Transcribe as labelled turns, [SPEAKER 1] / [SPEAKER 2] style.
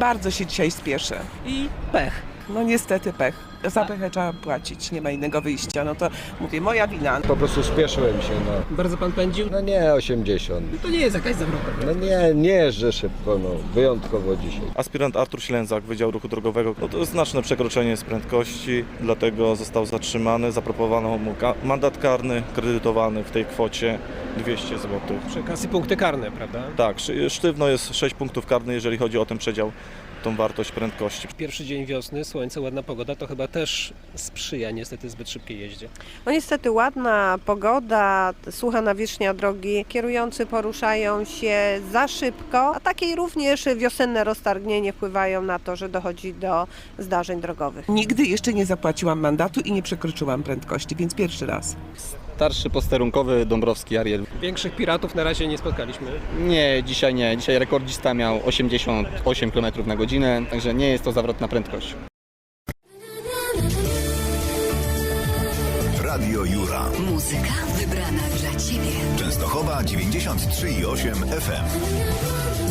[SPEAKER 1] Bardzo się dzisiaj spieszę.
[SPEAKER 2] I pech.
[SPEAKER 1] No niestety pech. Za pechę trzeba płacić, nie ma innego wyjścia. No to mówię, moja wina.
[SPEAKER 3] Po prostu spieszyłem się, no.
[SPEAKER 2] Bardzo pan pędził?
[SPEAKER 3] No nie 80.
[SPEAKER 2] To nie jest jakaś zawrota.
[SPEAKER 3] No nie jeżdżę szybko, no. Wyjątkowo dzisiaj.
[SPEAKER 4] Aspirant Artur Ślęzak, Wydział Ruchu Drogowego. No to jest znaczne przekroczenie z prędkości, dlatego został zatrzymany. Zaproponowano mu mandat karny kredytowany w tej kwocie 200 zł.
[SPEAKER 2] Przy okazji punkty karne, prawda?
[SPEAKER 4] Tak, sztywno jest 6 punktów karnych, jeżeli chodzi o ten przedział, tą wartość prędkości.
[SPEAKER 2] Pierwszy dzień wiosny, słońce, ładna pogoda, to chyba też sprzyja niestety zbyt szybkiej jeździe.
[SPEAKER 5] No niestety ładna pogoda, sucha nawierzchnia drogi, kierujący poruszają się za szybko, a takie również wiosenne roztargnienie wpływają na to, że dochodzi do zdarzeń drogowych.
[SPEAKER 1] Nigdy jeszcze nie zapłaciłam mandatu i nie przekroczyłam prędkości, więc pierwszy raz.
[SPEAKER 6] Starszy posterunkowy Dąbrowski Ariel.
[SPEAKER 2] Większych piratów na razie nie spotkaliśmy.
[SPEAKER 6] Nie. Dzisiaj rekordzista miał 88 km na godzinę, także nie jest to zawrotna prędkość.
[SPEAKER 7] Radio Jura.
[SPEAKER 8] Muzyka wybrana dla Ciebie.
[SPEAKER 7] Częstochowa 93,8 FM.